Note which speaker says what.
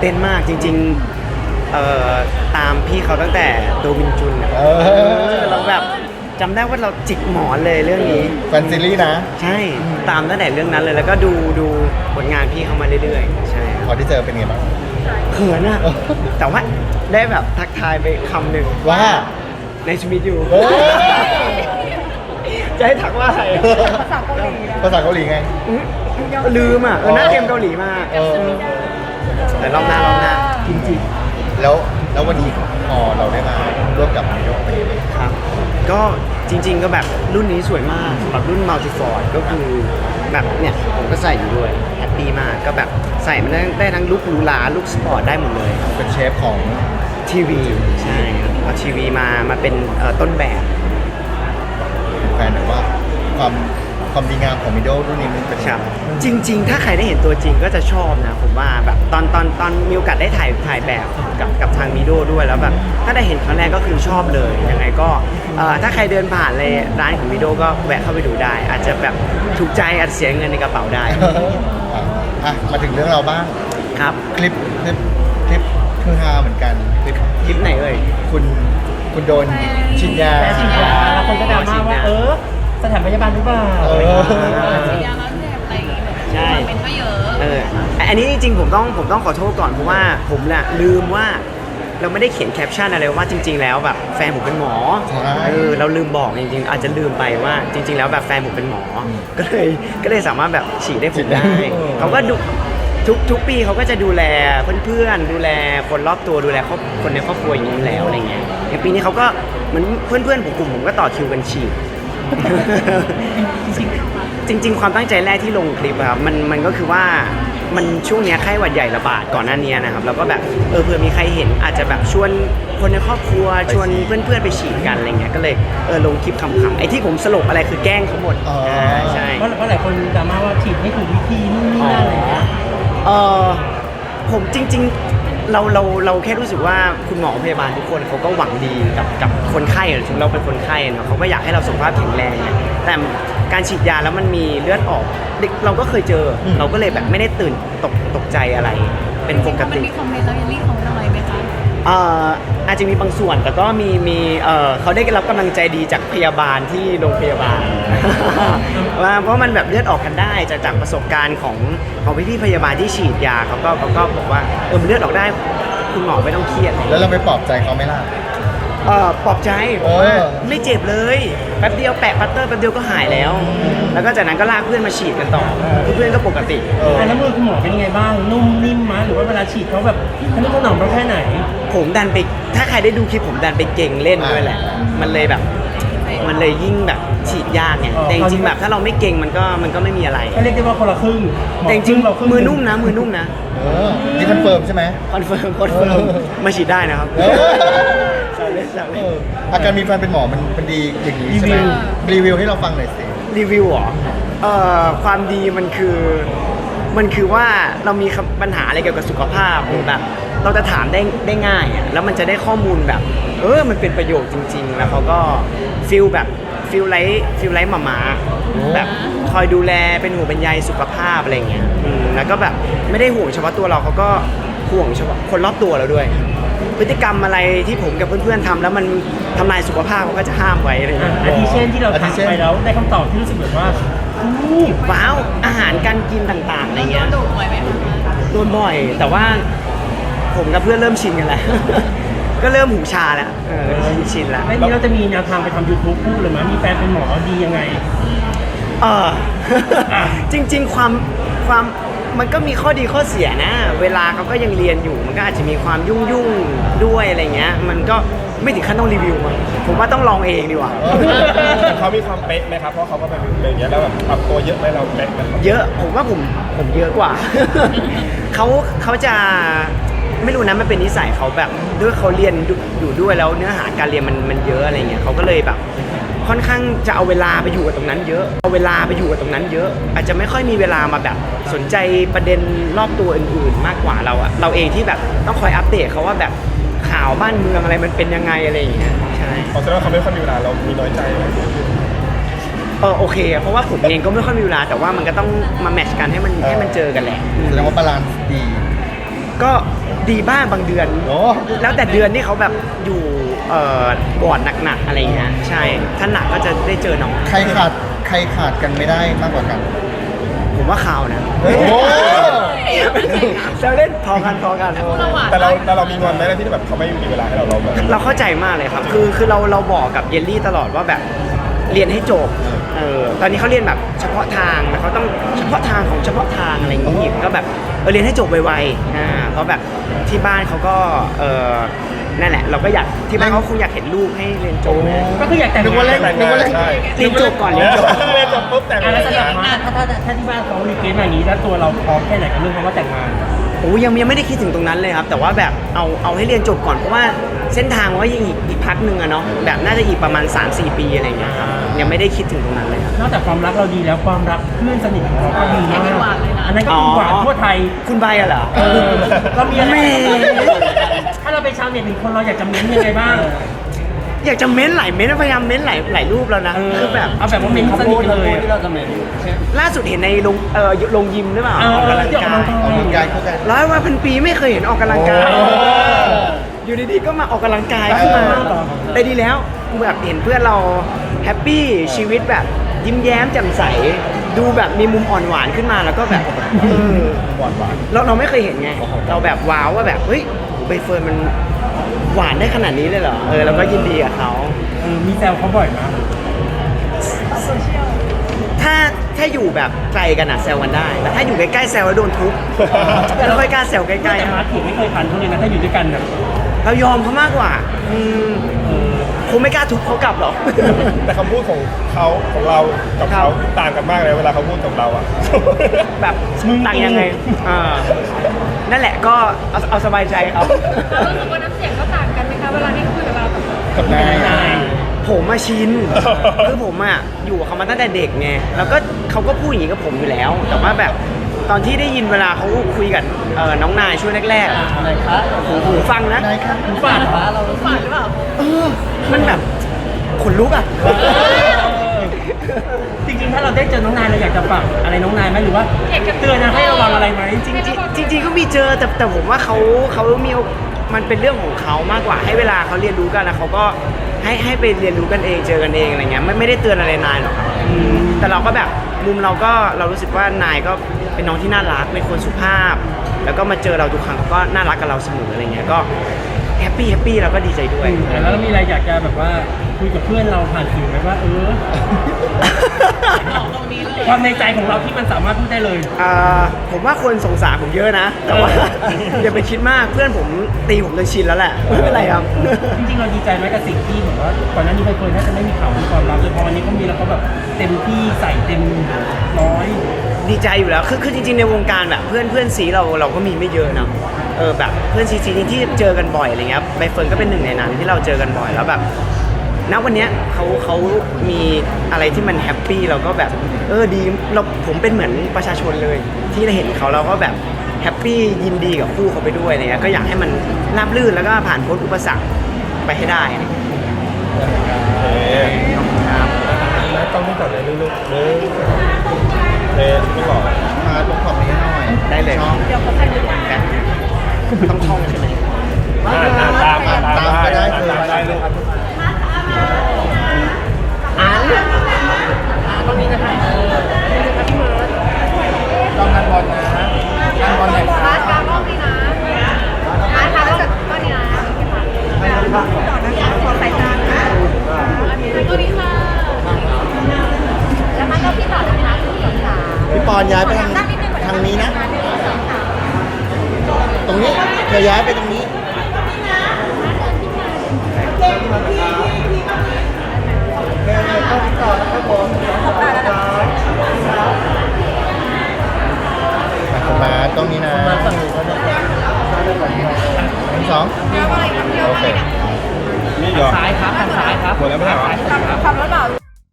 Speaker 1: เต้นมากจริงๆตามพี่เขาตั้งแต่โดมินจุนเราแบบจำได้ว่าเราจิกหมอนเลยเรื่องนี้
Speaker 2: แฟนซีรีส์นะ
Speaker 1: ใช่ตามตั้งแต่เรื่องนั้นเลยแล้วก็ดูผลงานพี่เขามาเรื่อยๆใช่
Speaker 2: พอที่เจอเป็นไงบ้าง
Speaker 1: เขินอะแต่ว่าได้แบบทักทายไปคำหนึ่ง
Speaker 2: ว่า
Speaker 1: ในชีวิตอยู่
Speaker 2: เอ้ย
Speaker 1: จะให้ทักว่าอะไร
Speaker 3: ภาษาเกาหลีนะ
Speaker 2: ภาษาเกาหลีไง
Speaker 1: ลืมอ่ะหน้าเกมเกาหลีมาก แต่รอบหน้ากิมจิ
Speaker 2: แล้ววันนี้พอเราได้มาร่วมกับมิโดะเป็นยังไง
Speaker 1: ครับ ก็จริงๆก็แบบรุ่นนี้สวยมากแบบรุ่นมัลติฟอร์ดก็คือแบบเนี่ยผมก็ใส่อยู่ด้วยแฮปปี้มากก็แบบใส่มันได้ทั้งลุคหรูหราลุคสปอร์ตได้หมดเลย
Speaker 2: เป็นเชฟของ
Speaker 1: ทีวีใช่ครับเอาทีวีมาเป็นต้นแบบ
Speaker 2: แฟนแบบว่าความดีงามของมิโดะรุ่นนี้มันเป็น
Speaker 1: ครับจริงๆ ถ้าใครได้เห็นตัวจริงก็จะชอบนะผมว่าแบบตอนมีโอกาสได้ถ่ายแบบกับทางมิโดด้วยแล้วแบบถ้าได้เห็นครั้งแรกก็คือชอบเลยยังไงก็ถ้าใครเดินผ่านเลยร้านของมิโดก็แวะเข้าไปดูได้ อาจจะแบบถูกใจอาจจะเสียเงินในกระเป๋าได้
Speaker 2: อ่ะมาถึงเรื่องเราบ้าง
Speaker 1: ครับ
Speaker 2: คลิปคือฮาเหมือนกัน
Speaker 1: คลิปไหนเอ่ย
Speaker 2: คุณโดนฉีดยา
Speaker 4: แพ้ฉีดยาแล้วคนก็ดราม่าว่าสถานพยาบาลหรือเปล่า
Speaker 3: ฉีดยาแล้วเจ็บอะไรอย่างเงี้ยแบบ
Speaker 1: ใช่
Speaker 3: คอมเมนต์ก็เยอะ
Speaker 1: อันนี้จริงๆผมต้องขอโทษก่อนเพราะว่าผมน่ะลืมว่าเราไม่ได้เขียนแคปชั่นอะไรว่าจริง ๆ แล้วแบบแฟนผมเป็นหมอ
Speaker 2: ใช่
Speaker 1: เราลืมบอกจริงๆอาจจะลืมไปว่าจริง ๆ แล้วแบบแฟนผมเป็นหมอ ก็เลยสามารถแบบฉีดได้ผมได้เขาก็ดูทุกปีเขาก็จะดูแลเพื่อนๆดูแลคนรอบตัวดูแลคนในครอบครัวอย่างนี้อยู่แล้วอะไรเงี้ยอย่างปีนี้เขาก็เหมือนเพื่อนๆกลุ่มผมก็ต่อคิวกันฉีด จริง ๆ ความตั้งใจแรกที่ลงคลิปอะครับมันก็คือว่ามันช่วงเนี้ยไข้หวัดใหญ่ระบาดก่อนหน้านี้นะครับแล้วก็แบบเผื่อมีใครเห็นอาจจะแบบชวนคนในครอบครัวชวนเพื่อนๆไปฉีดกันอะไรเงี้ยก็เลยลงคลิปขำๆไอ้ที่ผมสลบอะไรคือแกล้งเขาหมดใช่
Speaker 4: เพราะหลายคนดราม่าว่าฉีดไม่ถูกวิธีนู่นนี่นั่นอะไรอย่างเงี้ย
Speaker 1: ผมจริงๆเราแค่รู้สึกว่าคุณหมอพยาบาลทุกคนเขาก็หวังดีกับคนไข้ถึงเราเป็นคนไข้เนาะเขาก็อยากให้เราสุขภาพแข็งแรงเนี่ยแต่การฉีดยาแล้วมันมีเลือดออกเราก็เคยเจอเราก็เลยแบบไม่ได้ตื่นตกใจอะไรเป็นปก
Speaker 3: มัน
Speaker 1: ติ
Speaker 3: มีคอมเมนต์แล้วยันรีคอมเมนต์อะไรไหมคะ
Speaker 1: อาจจะมีบางส่วนแต่ก็มีเขาได้รับกำลังใจดีจากพยาบาลที่โรงพยาบาล เพราะมันแบบเลือดออกกันได้จากประสบการณ์ของพี่ๆพยาบาลที่ฉีดยาเขาก็บอกว่ามันเลือดออกได้คุณหมอไม่ต้องเครียด
Speaker 2: แล้วเราไปปลอบใจเขาไหมล่ะ
Speaker 1: ปลอบใจบอกว่าไม่เจ็บเลยแป๊บเดียวแปะปัตเตอร์แป๊บเดียวก็หายแล้ว แล้วก็จากนั้นก็ลากเพื่อนมาฉีดกันต่อเพื่อนก็ปกติ
Speaker 4: แล้วมือคุณหมอเป็นยังไงบ้างนุ่มนิ่มมั้ยหรือว่าเวลาฉีดเขาแบบทะนุถนอมเราแค่ไหน
Speaker 1: ผมดันไปถ้าใครได้ดูคลิปผมดันไปเก่งเล่นด้วยแหละ มันเลยแบบมันเลยยิ่งแบบฉีดยากไงแต่จริงๆแบบถ้าเราไม่เก่งมันก็ไม่มีอะไร
Speaker 4: ก็เรียกได้ว่าคนละครึ่ง
Speaker 1: แต่จริงๆมือนุ่มนะ
Speaker 2: นี่คอนเฟิร์มใช่ไหม
Speaker 1: คอนเฟิร์มมาฉีดได้นะครับ
Speaker 2: เออ
Speaker 1: แซวเล่น
Speaker 2: อาการมีแฟนเป็นหมอมันดีอย่างนี้ใช่ไหมรีวิวให้เราฟังหน่อยสิ
Speaker 1: รีวิวเหรอความดีมันคือว่าเรามีปัญหาอะไรเกี่ยวกับสุขภาพหรือแบบเราจะถามได้ง่ายอ่ะแล้วมันจะได้ข้อมูลแบบมันเป็นประโยชน์จริง ๆ แล้วเขาก็ฟิลไลท์มาแบบคอยดูแลเป็นห่วงเป็นใยสุขภาพอะไรเงี้ยแล้วก็แบบไม่ได้ห่วงเฉพาะตัวเราเขาก็ห่วงเฉพาะคนรอบตัวเราด้วย พฤติกรรมอะไรที่ผมกับเพื่อนๆทำแล้วมันทำลายสุขภาพเขาก็จะห้ามไว้อะไรเงี้ย
Speaker 4: อาทิเช่นที่เราถามไปแล้วได้คำตอบที่รู้สึกแบบว่า
Speaker 1: ว้าวอาหารการกินต่างๆอะไร
Speaker 3: โด
Speaker 1: เงี้ย
Speaker 3: นดุบ่อยไหมคะ
Speaker 1: โดนบ่อยแต่ว่าผมกับเพื่อนเริ่มชินกันแล้ว ก็เริ่มหูชาแล้วชินแล้ว
Speaker 4: แล้วนี้เราจะมีแนวทางไปทำ YouTube คู่เลยมั้ยมีแฟนเป็นหมอดียังไง
Speaker 1: จริงๆความมันก็มีข้อดีข้อเสียนะ เวลาเขาก็ยังเรียนอยู่มันก็อาจจะมีความยุ่งด้วยอะไรเงี้ยมันก็ไม่ถึงขั้นต้องรีวิวอะผมว่าต้องลองเองดีกว่า
Speaker 5: เขามีความเป๊ะไหมครับเพราะเขาก็เป็นอย่างเงี้ยแล้วแบบปรับตัวเยอะไหมเราเป๊ะไหม
Speaker 1: เยอะผมว่าผมเยอะกว่า เขาจะไม่รู้นะมันเป็นนิสัยเขาแบบด้วยเขาเรียนอยู่ด้วยแล้วเนื้อหาการเรียนมันเยอะอะไรเงี้ยเขาก็เลยแบบค่อนข้างจะเอาเวลาไปอยู่กับตรงนั้นเยอะอาจจะไม่ค่อยมีเวลามาแบบสนใจประเด็นรอบตัวอื่นๆ มากกว่าเราเองที่แบบต้องคอยอัปเดตเขาว่าแบบข่าวบ้านเมืองอะไรมันเป็นยังไงอะไรอย่างเงี้ยใช่
Speaker 5: เพราะฉะนั้นเขาไม่ค่อยมีเวลาเรามีน้อยใจไหม
Speaker 1: โอเคเพราะว่าผมเองก็ไม่ค่อยมีเวลาแต่ว่ามันก็ต้องมาแมทช์กันให้มันเจอกันแหละ
Speaker 2: แสดงว่าบาลานซ์ดี
Speaker 1: ก็ดีบ้างบางเดือน
Speaker 2: โอ้
Speaker 1: แล้วแต่เดือนที่เขาแบบอยู่บอร์ดหนักๆอะไรเงี้ยใช่ถ้าหนักก็จะได้เจอน้อง
Speaker 2: ใครขาดกันไม่ได้มากกว่ากัน
Speaker 1: ผมว่าข่าวนะ
Speaker 2: โอ้
Speaker 1: เราเล่นพอกัน
Speaker 5: แต่เรามีงอนไหมที่แบบเขาไม่มีเวลาให้เราแบบ
Speaker 1: เราเข้าใจมากเลยครับ คือเราบอกกับเยลลี่ตลอดว่าแบบเรียนให้จบตอนนี้เขาเรียนแบบเฉพาะทางแต่เขาต้องเฉพาะทางของเฉพาะทางอะไรอย่างงี้ก็แบบเรียนให้จบไวๆเพราะแบบที่บ้านเขาก็นั่นแหละ เราก็อยากที่บ้านเขาคงอยากเห็นลูกให้เรียนจบนะ
Speaker 4: ก็คืออยากแต่ง
Speaker 2: นึกว่าเล่น
Speaker 4: งาน
Speaker 2: นึกว่าเล่น
Speaker 5: ใช่
Speaker 1: เรียนจบก่อนเรียนจบ
Speaker 5: เรียนจบปุ๊บแต่ง
Speaker 4: อ่ะ
Speaker 5: เล
Speaker 4: แล้ว
Speaker 5: ย
Speaker 4: สำหรับมาถ้าที่บ้านเขารีเควสต์มาอย่างนี้แล้วตัวเราพร้อมแค่ไหนกับเรื่องคำว่าแต่งงาน
Speaker 1: โอ้ยังไม่ได้คิดถึงตรงนั้นเลยครับ แต่ว่าแบบเอาให้เรียนจบก่อนเพราะว่าเส้นทางว่ายังอีกพักหนึ่งอะเนาะแบบน่าจะอีกประมาณ 3-4 ปีอะไรเงี้ยครับยังไม่ได้คิดถึงตรงนั้นเลยครับ
Speaker 4: นอกจากความรักเราดีแล้วความรักเพื่อนสนิทของเราก็ดีมากอันนั้นก็คือหวานทั่วไทย
Speaker 1: คุณใบอะเหรอ
Speaker 4: เรามีอะไร
Speaker 1: แม่
Speaker 4: ถ้าเราเป็นชาวเน็ตหนึ่งคนเราอยากจะเม้นยังไงบ้าง
Speaker 1: อยากจะเม้นหลายเม้นพยายามเม้นหลายรูปแล้วนะคือแบบ
Speaker 4: เอาแบบว่าเม้นสนิทกันเลย
Speaker 1: ล่าสุดเห็นในลงยิมหรือเปล่า
Speaker 4: เออ
Speaker 1: ออกกำลัง
Speaker 4: ที่ออก
Speaker 1: กาก
Speaker 4: ำลั
Speaker 1: ย
Speaker 4: งกาย
Speaker 2: ออกกำลังกายคู่กัน
Speaker 1: 100 วัน 1,000 ปีไม่เคยเห็นออกกำลังกาย
Speaker 2: โอ้
Speaker 1: อยู่ดีๆก็มาออกกำลังกายขึ้นมา
Speaker 2: เออ
Speaker 1: แต่ดีแล้วแบบเห็นเพื่อนเราแฮปปี้ชีวิตแบบยิ้มแย้มแจ่มใสดูแบบมีมุมอ่อนหวานขึ้นมาแล้วก็แบบ
Speaker 2: หวาน
Speaker 1: เราไม่เคยเห็นไง เราแบบว้าวว่าแบบเฮ้ยใบเฟิร์นมันหวานได้ขนาดนี้เลยเหรอเราก็ยินดีกับเขา
Speaker 4: มีแซวเขาบ่อยนะ
Speaker 1: ถ้าอยู่แบบไกลกันอะแซวกันได้แต่ถ้าอยู่ใกล้ๆแซวแล้วโดนทุบไม่ค่อยกล้าแซวใกล้
Speaker 4: แต่มาร์คเถียงไม่เคยพันเขาเลยนะถ้าอยู่ด้วยกันแบบ
Speaker 1: ๆเรายอมเขามากกว่าคงไม่กล้าทุบเขากลับหรอก
Speaker 5: แต่คำพูดของเขาของเรากับเขาต่างกันมากเลยเวลาเขาพูดกับเราอ่ะ
Speaker 1: แบบต่างยังไงนั่นแหละก็เอาสบายใจเขา
Speaker 3: เรารู้สึกว่าน้ำเสียงก็ต่างกันไหมคะเวลาที่คุยกับเรากับ
Speaker 2: กับนาย
Speaker 1: ผมมาชิน คือผมอะอยู่กับเขามาตั้งแต่เด็กไงแล้วก็เขาก็พูดอย่างนี้กับผมอยู่แล้ว แต่ว่าแบบตอนที่ได้ยินเวลาเขาคุยกับน้องนายช่วงแรกๆอะหูฟังนะ
Speaker 2: นายครับ
Speaker 4: หูฝาดเหรอ
Speaker 3: ฝันหรือเปล่า
Speaker 1: มันแบบขนลุกอะ
Speaker 4: จริงๆถ้าเราได้เจอน้องนายเราอยากจะฝากอะไรน้องนายไหมหรือว่าเตือนนะให้ระวังอะไรไหม
Speaker 1: จริงๆก็มีเจอแต่ผมว่าเขามีมันเป็นเรื่องของเขามากกว่าให้เวลาเขาเรียนรู้กันแล้วเขาก็ให้ไปเรียนรู้กันเองเจอกันเองอะไรเงี้ยไม่ได้เตือนอะไรนายหรอกครับแต่เราก็แบบมุมเรารู้สึกว่านายก็เป็นน้องที่น่ารักเป็นคนสุภาพ แล้วก็มาเจอเราทุกครั้งเขาก็น่ารักกับเราเสมออะไรเงี้ยก็แฮปปี้เราก็ดีใจด้วย
Speaker 4: แล้วมีอะไรอยากจะแบบว่าคุยกับเพื่อนเราผ่านสื่อไหมว่า
Speaker 3: บอกตรงนี้เลย
Speaker 4: ความในใจของเราที่มันสามารถพูดได้เลย
Speaker 1: ผมว่าคนสงสารผมเยอะนะ แต่ว่า อย่าไปคิดมากเพื่อนผมตีผมจนชินแล้วแหละไม่เป็นไรครับ
Speaker 4: จริงๆเราดีใจไหมกับสิ่งที่เหมือนว่าก่อนหน้านี้ใบเฟิร์นน่าจะไม่มีข่าวมีความรักเลยพอวันนี้เขามีแล้วเขาแบบเต็มที่ใส่เต็มร้อย
Speaker 1: ดีใจอยู่แล้วคือจริงๆในวงการแบบเพื่อนซีเราก็มีไม่เยอะเนาะแบบเพื่อนซีที่เจอกันบ่อยอะไรเงี้ยใบเฟิร์นก็เป็นหนึ่งในนั้นที่เราเจอกันบ่อยแล้วแบบณวันเนี้ยเขามีอะไรที่มันแฮปปี้เราก็แบบดีผมเป็นเหมือนประชาชนเลย ที่ได้เห็นเขาเราก็แบบแฮปปี้ยินดีกับคู่เขาไปด้วยอะไรเงี้ยก็อยากให้มันราบรื่นแล้วก็ผ่านพ้นอุปสรรคไปให้ได้อะไรเงี้ยครับ
Speaker 5: แล้วต้องนี่ก่อนเลยลูกๆไม่ก่อน
Speaker 2: มาลงขอบนี้หน่อย
Speaker 1: ได้เลย
Speaker 2: ชอบ
Speaker 3: เดี๋ยวเขาใส่ด้วยกัน
Speaker 1: ต้องท่องใช่ไหม
Speaker 5: ตามก็ได้ลูก
Speaker 4: ตรงนี้นะคะ
Speaker 2: ต้องงานบอลนะงานบอลไหน
Speaker 3: ร้านกลางรอบนี้นะร้านกลางรอบก็นี้นะต่อนะคะขอสายตานะตัวนี้ค่ะแล้วมันก็พี่ต่อได้ไหมคะพี่สาว
Speaker 2: พี่ปอนย้ายไปทางนี้นะ ตรงนี้เธอย้ายไปตรงนี้
Speaker 3: ขอบตาแล้วนะ